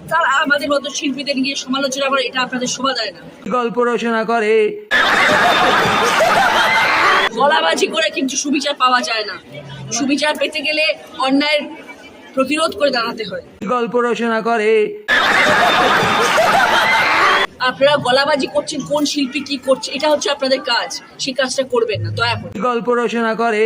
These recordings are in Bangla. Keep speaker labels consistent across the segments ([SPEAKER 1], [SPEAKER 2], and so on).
[SPEAKER 1] তার আমাদের মতো শিল্পীদের নিয়ে সমালোচনা করে, এটা আপনাদের শোভা দেয় না।
[SPEAKER 2] গল্প রচনা করে,
[SPEAKER 1] গলাবাজি করে কিন্তু সুবিচার পাওয়া যায় না। সুবিচার পেতে গেলে অন্যায়ের প্রতিরোধ করে দাঁড়াতে হয়।
[SPEAKER 2] গল্প রচনা করে,
[SPEAKER 1] আপনারা গলাবাজি করছেন কোন শিল্পী কি করছে, এটা হচ্ছে আপনাদের কাজ, সেই কাজটা করবেন না দয়া করে।
[SPEAKER 2] গল্প রচনা করে।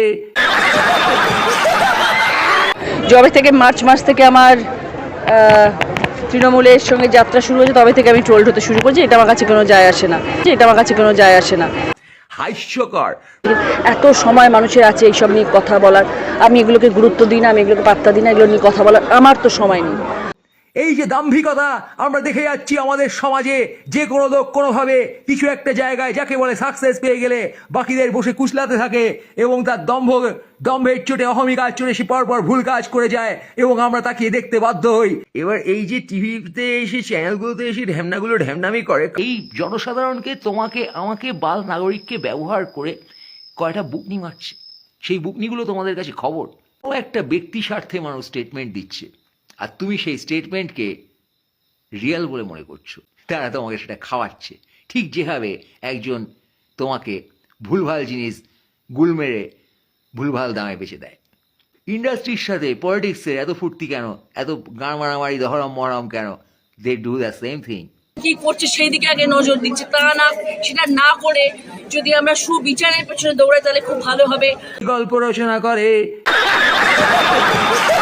[SPEAKER 3] যবে থেকে মার্চ মাস থেকে আমার তৃণমূলের সঙ্গে যাত্রা শুরু হয়েছে, তবে থেকে আমি ট্রোলড হতে শুরু করছি। এটা আমার কাছে কোনো যায় আসে না, এটা আমার কাছে কোনো যায় আসে না।
[SPEAKER 2] হাস্যকর।
[SPEAKER 3] এত সময় মানুষের আছে এইসব নিয়ে কথা বলার, আমি এগুলোকে গুরুত্ব দিই না, আমি এগুলোকে পাত্তা দিই না, এগুলো নিয়ে কথা বলার আমার তো সময় নেই।
[SPEAKER 2] এই যে দাম্ভিকতা আমরা দেখে যাচ্ছি আমাদের সমাজে, যে কোনো লোক কোনোভাবে কিছু একটা জায়গায় যাকে বলে সাকসেস পেয়ে গেলে বাকিদের বসে কুচলাতে থাকে এবং তার দম্ভের চোটে অহমিকার চোটে সে পরপর ভুল কাজ করে যায় এবং আমরা তাকিয়ে দেখতে বাধ্য হই। এবার এই যে টিভিতে এসে চ্যানেলগুলোতে এসে ঢ্যামনাগুলো ঢ্যামনামি করে, এই জনসাধারণকে তোমাকে আমাকে বাল নাগরিককে ব্যবহার করে কয়টা বুকনি মারছে, সেই বুকনিগুলো তোমাদের কাছে খবর। ও একটা ব্যক্তি স্বার্থে মানুষ স্টেটমেন্ট দিচ্ছে আর তুমি সেই স্টেটমেন্টকে রিয়েল বলে মনে করছো, তারা তোমাকে সেটা খাওয়াচ্ছে। ঠিক যেভাবে একজন তোমাকে ভুলভাল জিনিস গুল মেরে ভুলভাল দামে বেচে দেয়। ইন্ডাস্ট্রির সাথে পলিটিক্সের এত ফুর্তি কেন, এত গান মারামারি দহরম মহরম কেন? They do the same thing.
[SPEAKER 1] কি করছে সেই দিকে আগে নজর দিচ্ছে, তা না সেটা না করে যদি আমরা সুবিচারের পেছনে দৌড়াই তাহলে খুব ভালো হবে।
[SPEAKER 2] গল্প রচনা করে।